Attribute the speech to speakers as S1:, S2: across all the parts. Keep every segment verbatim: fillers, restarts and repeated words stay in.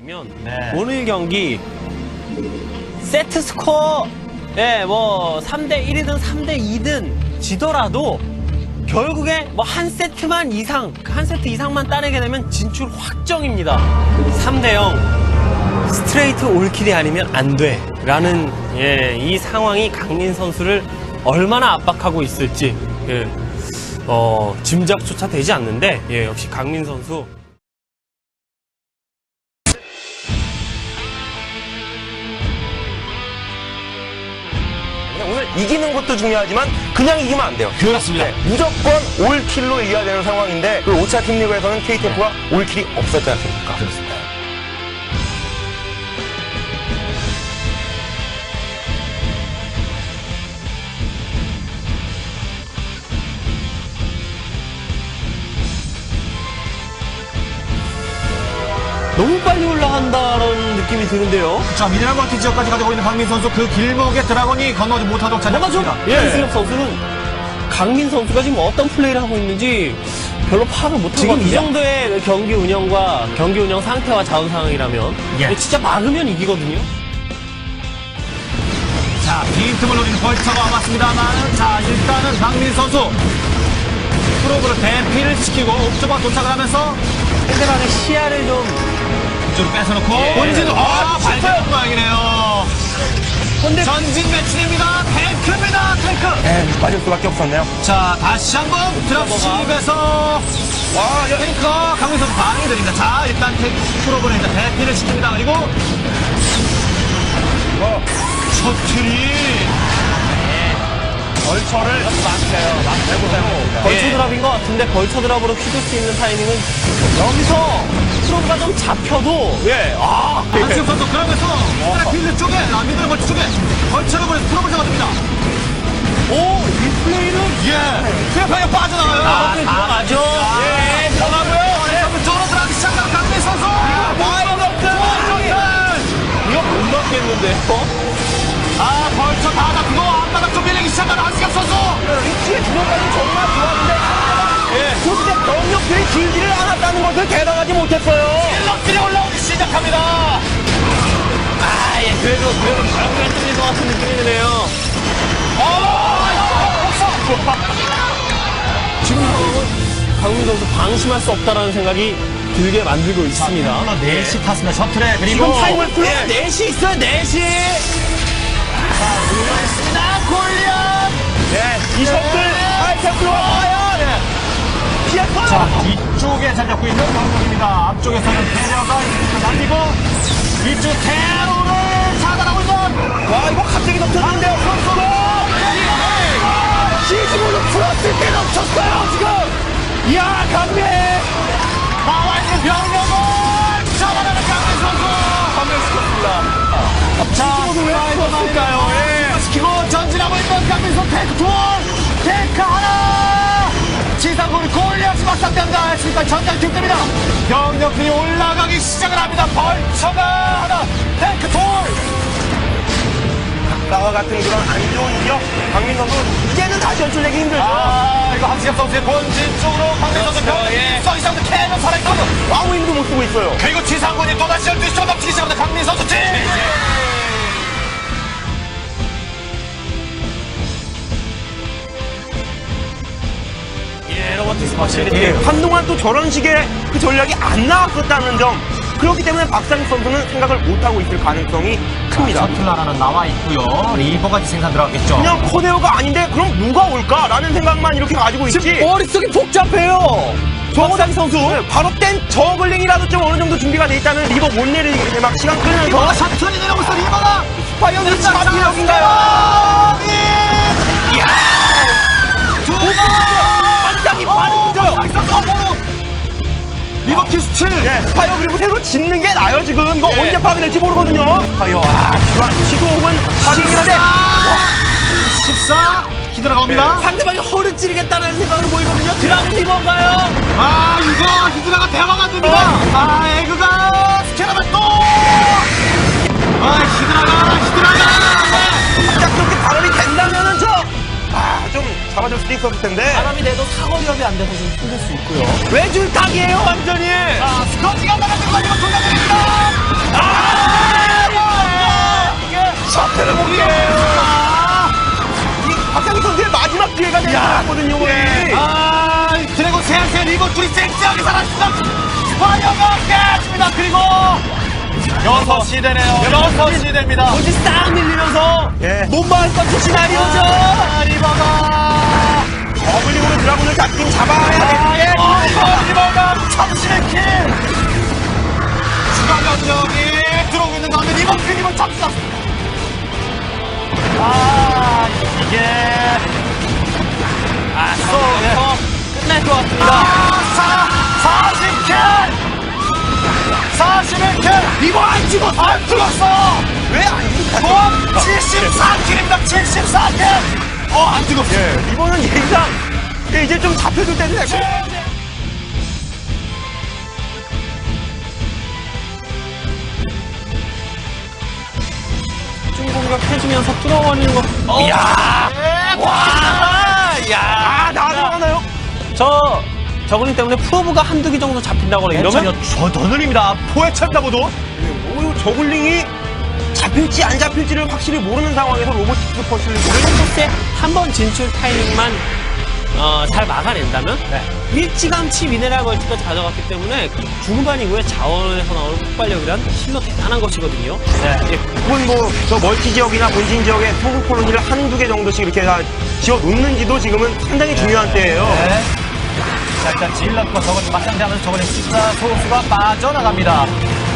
S1: 네. 오늘 경기 세트 스코어 예, 뭐 삼 대 일이든 삼 대 이든 지더라도 결국에 뭐 한 세트만 이상, 한 세트 이상만 따내게 되면 진출 확정입니다. 삼 대 영 스트레이트 올킬이 아니면 안 돼 라는 예, 이 상황이 강민 선수를 얼마나 압박하고 있을지 예, 어, 짐작조차 되지 않는데 예, 역시 강민 선수
S2: 오늘 이기는 것도 중요하지만 그냥 이기면 안 돼요.
S3: 그렇습니다.
S2: 네, 무조건 올킬로 이겨야 되는 상황인데 그 오 차 팀리그에서는 케이티에프가 네. 올킬이 없었지 않습니까?
S3: 그렇습니다.
S1: 너무 빨리 올라간다는 느낌이 드는데요.
S3: 자, 미네랄 멀티 지역까지 가지고 있는 강민 선수 그 길목에 드라곤이 건너지 못하도록 찾아봤습니다.
S1: 예. 한승엽 선수는 강민 선수가 지금 어떤 플레이를 하고 있는지 별로 파악을 못하고 지금 이 정도의 경기 운영과 경기 운영 상태와 자원 상황이라면
S3: 예.
S1: 진짜 막으면 이기거든요.
S3: 자, 빈틈을 노리는 벌처가 왔습니다만, 자, 일단은 강민 선수 프로브를 대피를 시키고 옥저버 도착을 하면서
S1: 상대방의 시야를 좀
S3: 좀 뺏어놓고
S1: 예.
S3: 본진으로 아, 발견한 모양이네요.
S1: 근데
S3: 전진 매치입니다. 탱크입니다. 탱크.
S2: 네, 빠질 수밖에 없었네요.
S3: 자, 다시 한번 드랍십에서 와, 탱크가 강민 선수 방해 드립니다. 자, 일단 탱크 프로브를 일단 대피를 시킵니다. 그리고
S2: 어,
S3: 셔틀이
S2: 벌처를 막혀요. 막혀보세요.
S1: 벌처 드랍인 것 같은데 벌처 드랍으로 휘둘 수 있는 타이밍은 여기서 프로가 좀 잡혀도 예, 아,
S3: 한승엽 선수 그러면서 필드 쪽에 라미들 벌처 쪽에 벌처를 보내서 프로브를 잡아줍니다.
S1: 오, 이 플레이는
S3: 예, 그냥 빠져나가요.
S1: 아, 들어가죠. 예, 들어가고요.
S3: 네. 저로 들어가기 시작한 강민 선수.
S1: 이거 못 막겠는데.
S3: 아, 벌써 다 잡히고 앞바닥 좀 밀리기 시작한 한승엽 선수.
S1: 위치의 주먹까지 정말 좋았는데 예. 그때 병력들이 길지를 않았다는 것을 개방하지 못했어요.
S3: 일럭들이 올라오기 시작합니다.
S1: 아, 예, 그래도 그래도 결국엔 뚫릴 것 같은 느낌이 드네요. 지금 상황은 강민 선수 방심할 수 없다라는 생각이 들게 만들고 있습니다.
S3: 넷이 탔습니다. 셔틀에 그리고
S1: 지금 타임을 풀려
S3: 예.
S1: 넷이 있어요, 넷이.
S3: 나 골리앗.
S2: 네, 이 셔틀 하이템플로 와요. 피했어요.
S3: 자, 뒤쪽에 잘 잡고 있는 강동입니다. 앞쪽에서는 테러가 날리고 이쪽 테러를 차단하고 있는.
S2: 와, 이거 갑자기 넘쳤는데요. 선수로 십오 점 플러스 때 넘쳤어요, 지금. 이야, 강민.
S3: 나와 있는 병력을 잡아내는 강민 선수.
S2: 감명시켰습니다.
S3: 자, 왜 이러나요? 예. 시키고 전진하고 있는 강민 선수 탱크 둘, 탱크 하나. 지상군이 골리앗이 막상대합니다. 했으니까 전장 뒷됩니다. 병력들이 올라가기 시작을 합니다. 벌처가 하나, 탱크 둘.
S2: 나와 같은 그런 안 좋은 기억. 강민 선수 이제는 다시 연출내기 힘들죠.
S3: 아, 이거 한승엽 선수의 본진 쪽으로 강민 선수 병
S1: 예.
S3: 써 이상도 캐논 살아있거든.
S2: 아무 힘도 못 쓰고 있어요.
S3: 그리고 지상군이 또다시 열두 시 쪽 넘치기 시작합니다. 강민 선수 팀.
S1: 예, 로버트 스파실리티.
S2: 예, 한동안 또 저런 식의 그 전략이 안 나왔었다는 점. 그렇기 때문에 박상익 선수는 생각을 못하고 있을 가능성이 큽니다.
S3: 셔틀 하나는 나와 있고요. 리버가 생산 들어가겠죠.
S2: 그냥 코데오가 아닌데 그럼 누가 올까라는 생각만 이렇게 가지고 있지.
S1: 머릿속이 복잡해요. 박상희 선수.
S2: 네, 바로 땐 저글링이라도 좀 어느 정도 준비가 돼 있다는 리버 못 내리게 막 시간
S3: 리버가
S2: 끌면서
S3: 셔틀이 내려오고 있어. 리버가
S2: 과연 이 차비력인가요?
S3: 이야! 두 번!
S2: 반짝이 반짝이죠.
S3: 리버 키스 칠!
S2: 예, 스파이어 그리고 새로 짓는 게 나아요 지금. 이거
S1: 예.
S2: 언제 파괴될지 모르거든요. 스파이어 아 기관 시도 혹은 파괴인데
S3: 십사! 히드라가 옵니다.
S1: 상대방이 허를 찌르겠다는 생각으로 보이거든요. 드라군 리버인가요?
S3: 아, 이거 히드라가 대화가 안 됩니다. 아, 에그가 스캐너만 또! 아, 히드라가, 히드라가!
S2: 갑작스럽게 발언이 된다면은 저아좀 잡아줄 수도 있었을 텐데.
S1: 바람이 내도 사거리업이 안 돼서 좀 힘들 수 있고요. 외줄타기예요 완전히.
S3: 자, 스커지가 나가지고 이거 돌려드립니다. 둘이 쨍쨍하게 살았습니다. 스파이어가 깼습니다. 그리고 여섯 시대네요. 여섯 시대입니다.
S1: 어디 싹 밀리면서
S2: 예.
S1: 몸만 꺾인 시나리오죠.
S3: 아, 리버가
S2: 어글링으로 드라군을 잡긴 잡아야 돼.
S3: 아, 예. 아, 이거 리버가 참신의 킬. 추가 병력이 들어오고 있는 가운데 리버 킬리버 잡습니다. 아, 이게
S1: 아, 또 끝날 것 같습니다.
S3: 아, 사십 킬! 사십일 킬!
S1: 이거 안 죽었어.
S3: 안 죽었어!
S2: 왜 안 죽었어?
S3: 총 칠십사 킬입니다. 칠십사 킬! 어, 안 죽었어.
S2: 예, 이번은 얘가 예, 이제 좀 잡혀줄 때도 되고.
S1: 중공격 해주면서 뚫어버리는 거. 어. 이야! 와! 이야!
S2: 아, 나가나요?
S1: 저, 저글링 때문에 프로브가 한두 개 정도 잡힌다고 그래. 이러면
S3: 저더 느립니다. 포획차입니다, 모두.
S2: 오, 저글링이 잡힐지 안 잡힐지를 확실히 모르는 상황에서 로보틱스 퍼즐을
S1: 코스에 한 번 진출 타이밍만 어, 잘 막아낸다면
S3: 네.
S1: 일찌감치 미네랄 멀티까지 가져갔기 때문에 중반 이후에 자원에서 나오는 폭발력이란 실로 대단한 것이거든요.
S3: 네.
S1: 예,
S2: 혹은 뭐 저 멀티 지역이나 본진 지역에 소금 콜로니를 한두 개 정도씩 이렇게 다 지어 놓는지도 지금은 상당히 중요한 때예요.
S3: 네. 자, 일단 질럿과 저걸 맞상대하면서 저번에 숫자 소수가 빠져나갑니다.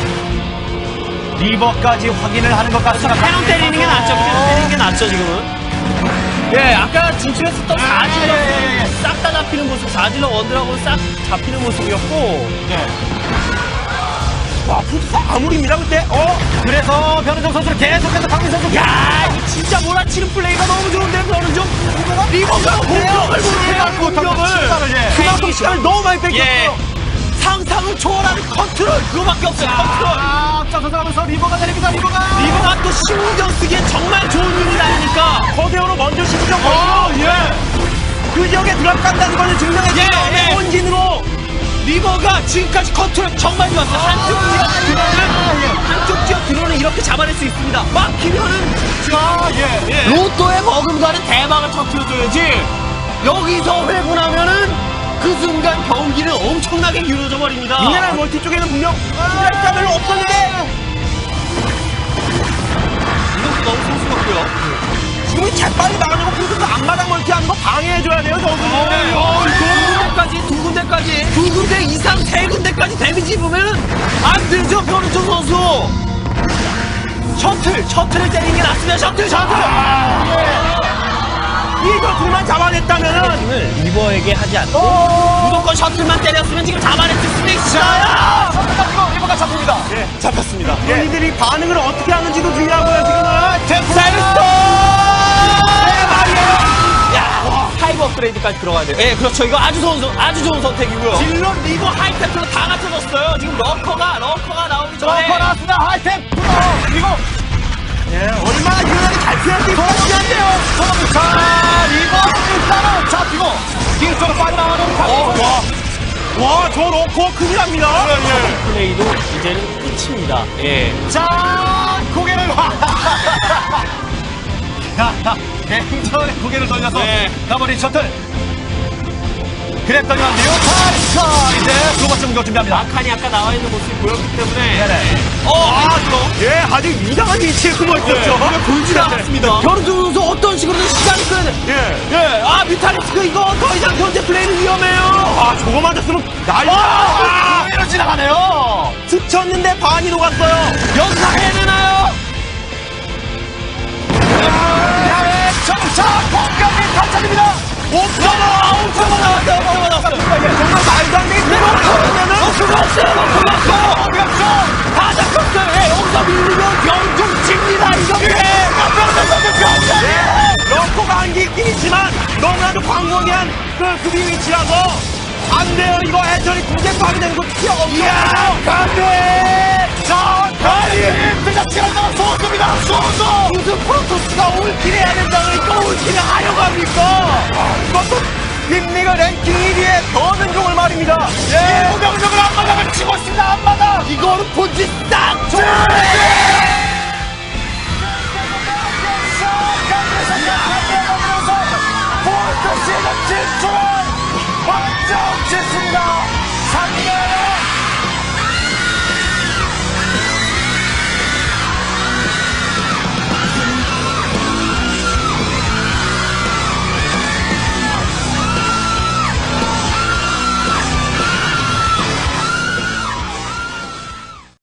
S3: 리버까지 확인을 하는 것 같습니다.
S1: 캐논 때리는 게 낫죠. 캐논 때리는 게 낫죠, 지금은. 예, 아까 진출했었던 사질러
S3: 예, 예, 예.
S1: 싹 다 잡히는 모습, 사질러 원드라고 싹 잡히는 모습이었고,
S3: 네.
S2: 와, 푸드사 아무리입니다, 그때. 어?
S3: 그래서 변은정 선수를 계속해서 강민 선수.
S1: 야, 이 진짜 몰아치는 플레이가 너무 좋은데, 너는 좀 리버가 공격을 못해요, 공격을.
S3: 시간을, 예.
S2: 그만큼 시간을 너무 많이 뺏겼어요.
S1: 예, 상상을 초월하는 컨트롤 그거밖에 없어요, 컨트롤.
S3: 아, 앞서서 하면서 리버가 내립니다, 리버가.
S1: 리버가 또 신경 쓰기에 정말 좋은 유닛 아닙니까?
S2: 거대어로 먼저 시키죠,
S3: 어,
S2: 거기서.
S3: 예.
S2: 그 지역에 들어간다는 것을 증명했죠.
S1: 예, 예.
S2: 본진으로.
S1: 리버가 지금까지 컨트롤 정말 좋았어요. 한쪽 지역 드론은 한쪽 지역 드론은 이렇게 잡아낼 수 있습니다. 막히면은
S3: 아, 예.
S1: 예. 로또에 머금가는 대박을 터뜨려줘야지. 여기서 회분하면은 그 순간 경기는 엄청나게 길어져 버립니다.
S2: 미네랄 멀티 쪽에는 분명 시간이 별로 없었는데
S1: 이것도 너무 소수였고요.
S2: 지금이 재빨리 나가려고 그래도 앞마당 멀티하는 거 방해해줘야 돼요, 저거.
S1: 어, 두 군데까지, 두 군데까지, 두 군데 이상, 세 군데까지 데미지 입으면은 안 되죠, 변우정 선수. 셔틀, 셔틀을 때리는 게 낫습니다, 셔틀, 셔틀.
S2: 이거 둘만 잡아냈다면은
S1: 을 리버에게 하지 않고 무조건 셔틀만 때렸으면 지금 잡아냈을 수도 있어요.
S3: 잡히고 리버가 잡힙니다.
S2: 예, 잡혔습니다. 본인들이 반응을 어떻게 하는지도 중요하고요, 지금은.
S1: 셀스톤! 야, 파이브 업그레이드까지 들어가야 돼요. 예, 그렇죠. 이거 아주 좋은, 선- 아주 좋은 선택이고요. 질러 리버 하이테크로 다 갖춰졌어요. 지금 러커가, 러커가 나오기 전에.
S3: 러커 나왔습니다. 하이템 프로. 그리고
S2: 예, 얼마나 유연하게 잘 피할지 보여주는데요.
S3: 자, 리버 일단은 잡히고 뒤쪽으로 빠져나가는
S2: 어, 와. 와, 저 넣고 큰일 납니다.
S1: 플레이도 이제는 끝입니다. 예.
S3: 자, 고개를 굉장히 고개를 돌려서
S1: 네.
S3: 가버린 셔틀. 그랬더니만 뮤탈리스카 이제 두 번째 공격 준비합니다.
S1: 아칸이 아까 나와 있는 모습이 보였기 때문에.
S3: 네네.
S1: 어, 아,
S2: 예, 아주 이상한 위치에 숨어 있었죠.
S1: 보이지 않았습니다. 변우정 선수 어떤 식으로든 시간을 끄는.
S2: 예.
S1: 예, 아, 뮤탈리스크 이거 더 이상 현재 플레이는 위험해요.
S2: 아, 저거 맞았으면 난리.
S3: 아, 그대로 지나가네요.
S2: 스쳤는데 반이 녹았어요.
S1: 연상해야 되나요?
S3: 야외 점차 공격이 탈착입니다.
S1: 옵저버! 옵저버 나왔어요, 옵저버 나왔어요.
S2: 정말 말도 안 되게 들어가면은
S1: 옵저버 나왔어요, 옵저버 나왔어요.
S3: 어디 갔어?
S1: 다 잡혔어요. 예, 여기서 밀리면 병좀 칩니다, 이거. 예,
S2: 러커가 안기 있긴 있지만 너무나도 광범위한 그 수비 위치라서 안 돼요. 이거 해철이 군대 파괴되는 거 피해 없어요.
S3: 이야, 간대! 자, 간대! 대자치가 나와 소수입니다, 소수!
S1: 무슨 프로토스가 올킬 해야 된다고 또 올킬을 하려고 합니까?
S2: 이것도 빅리그 랭킹 일 위의 더민종을 말입니다.
S3: 예, 우병우병을 앞마당을 치고 있습니다, 앞마당!
S1: 이거는 본질 딱 좋아!
S3: 포인트 시즌 진출을 확정 짓습니다. 삼 대